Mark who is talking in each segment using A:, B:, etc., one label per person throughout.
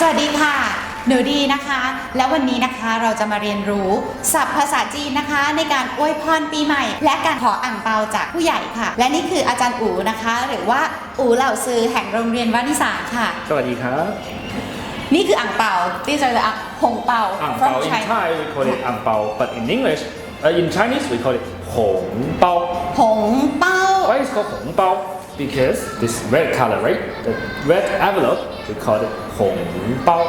A: วัสดีค่ะหนูดีนะคะแล้ววันนี้นะคะเราจะมาเรียนรู้ศัพท์ภาษาจีนนะคะในการอวยพรปีใหม่และการขออั่งเปาจากผู้ใหญ่ค่ะและนี่คืออาจารย์อู๋นะคะหรือว่าอู๋เหล่าซือแห่งโรงเรียนวานิสาค่ะ
B: สวัสดีครับ
A: นี่คืออั่งเปาที่จะหงเปา
B: ang bao in Thai we call it ang bao but in English in Chinese we call it หงเปา
A: หงเปา
B: why is it called หงเปาbecause this red color right the red envelope we call it หงเปา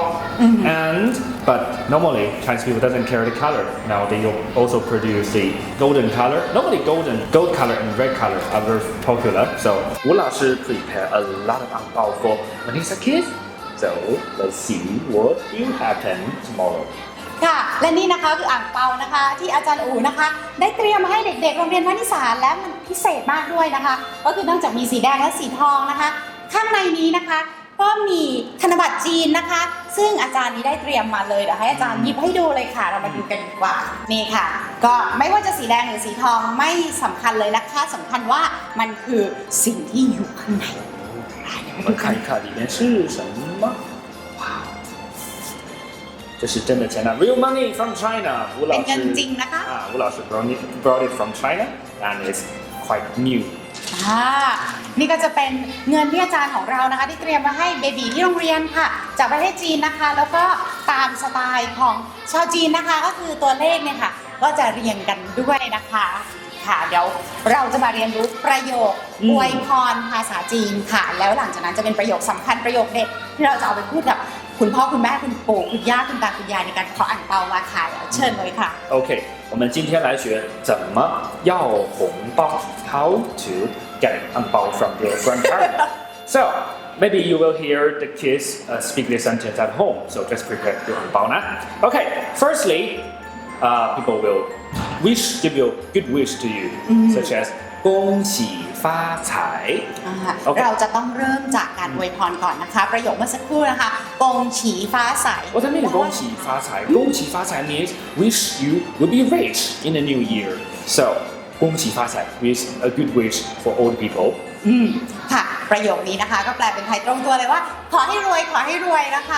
B: and but normally Chinese people doesn't carry the color now they also produce the golden color normally gold color and red color are very popular so 吴老师 prepare a lot of ang bao for Vanessa kids so let's see what will happen tomorrow
A: ค่ะและนี่นะคะคืออ่างเปานะคะที่อาจารย์อู๋นะคะได้เตรียมมาให้เด็กๆโรงเรียนวานิสาและมันพิเศษมากด้วยนะคะก็คือนอกจากมีสีแดงและสีทองนะคะข้างในนี้นะคะก็มีธนบัตรจีนนะคะซึ่งอาจารย์นี้ได้เตรียมมาเลยเดี๋ยวให้อาจารย์หยิบให้ดูเลยค่ะเรามาดูกันดีกว่านี่ค่ะก็ไม่ว่าจะสีแดงหรือสีทองไม่สำคัญเลยนะคะสำคัญว่ามันคือสิ่งที่อยู่ข้างใน
B: 我们看一看里面是什么。哇，这是真的钱呐 ，real money from China。吴老师
A: เป็นเงินจริงนะคะ
B: 吴老师 brought it from China and it's quite new。
A: นี่ก็จะเป็นเงินที่อาจารย์ของเรานะคะที่เตรียมมาให้เบบีที่โรงเรียนค่ะจากประเทศจีนนะคะแล้วก็ตามสไตล์ของชาวจีนนะคะก็คือตัวเลขเนี่ยค่ะก็จะเรียงกันด้วยนะคะค่ะเดี๋ยวเราจะมาเรียนรู้ประโยคอวยพรภาษาจีนค่ะแล้วหลังจากนั้นจะเป็นประโยคสำคัญประโยคเด็ดที่เราจะเอาไปพูดกับคุณพ่อคุณแม่คุณปู่คุณย่าคุณตาคุณยายในการขออั่งเปามาค่ะเชิญเลยค่ะ
B: Okay， 我们今天来学怎么要红包 ，How to get an 红包 from your grandparents. So maybe you will hear the kids speak this sentence at home. So just prepare your 红包นะ Okay, firstly, people will give you good wish to you, such as 恭喜发财
A: เราจะต้องเริ่มจากการอวยพรก่อนนะคะประโยคเมื่อสักครู่นะคะกงฉีฟ้าใส
B: What I mean 恭喜发财 恭喜发财 means wish you will be rich in the new year. So 恭喜发财 is a good wish for all the people.
A: ค่ะประโยคนี้นะคะก็แปลเป็นไทยตรงตัวเลยว่าขอให้รวยขอให้รวยนะคะ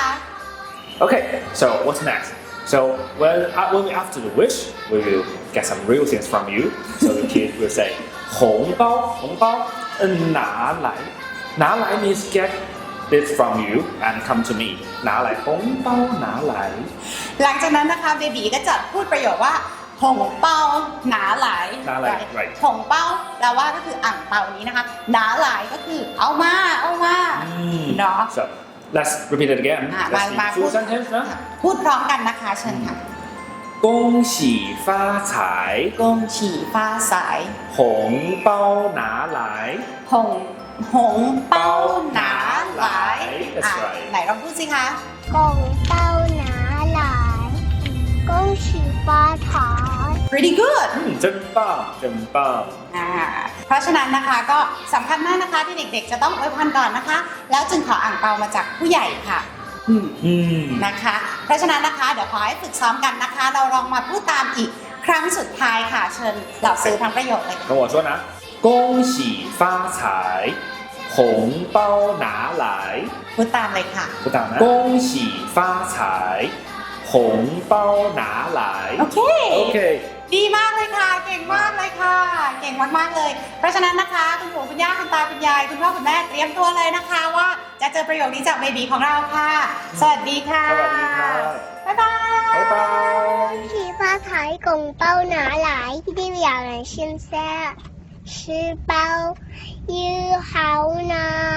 B: Okay, so what's next? So when after the wish, we will get some real things from you. So the kid will say 红包红包拿来拿来 means get this from you and come to me 拿来红包拿来
A: หลังจากนั้นนะคะเบบีก็จะพูดประโยคว่าหงเปาหนาหลาย
B: right
A: หงเปาแปลว่าก็คืออ่างเปานี้นะคะหนาหลายก็คือเอามาเนาะ
B: So let's repeat it again.
A: มา
B: Let's
A: พู
B: full
A: ด
B: sentence นะ
A: พูดพร้อมกันนะคะเชิญค่ะ
B: 恭喜发财
A: กงฉีฟ้าใส
B: 红包拿来
A: หงเป้าหนาหลาย
B: That's right
A: ไหนลองพูดสิคะ
C: 拱包拿来，恭喜发财。
A: pretty good
B: 真棒真棒
A: เพราะฉะนั้นนะคะก็สำคัญมากนะคะที่เด็กๆจะต้องอวยพรก่อนนะคะแล้วจึงขออ่างเปามาจากผู้ใหญ่ค่ะนะคะเพราะฉะนั้นนะคะเดี๋ยวขอให้ฝึกซ้อมกันนะคะเราลองมาพูดตามอีกครั้งสุดท้ายค่ะเชิญเหล่าซื้อทั้งประโยคเลย
B: 跟我说呢恭喜发财红包拿来
A: พูดตามเลยค่ะ
B: 不当呢恭喜发财红包拿来
A: โอเค
B: Okay
A: ดีมากเลยค่ะเก่งมากเลยค่ะเก่งมากๆเลยเพราะฉะนั้นนะคะคุณปู่คุณย่าคุณตาคุณยายคุณพ่อคุณแม่เตรียมตัวเลยนะคะว่าจะเจอประโยคนี้จากเบบีของเราค่ะสวัสดีค่ะ
B: สวัสดีค่ะ
A: บ๊ายบาย
B: 拜拜
C: 恭喜发财，拱包拿来，一定要人现在吃饱又好呢。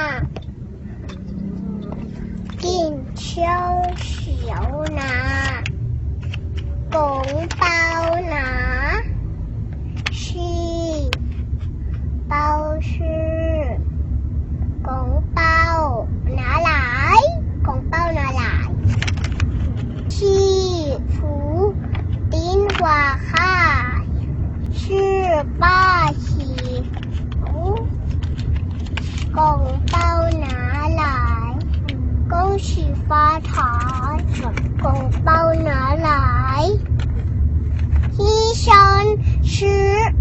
C: 金秋小拿，拱包拿，是包是拱包拿来，拱包拿来。是福丁花海，是八喜福，拱包拿来，恭喜发财，拱包拿来，一生是。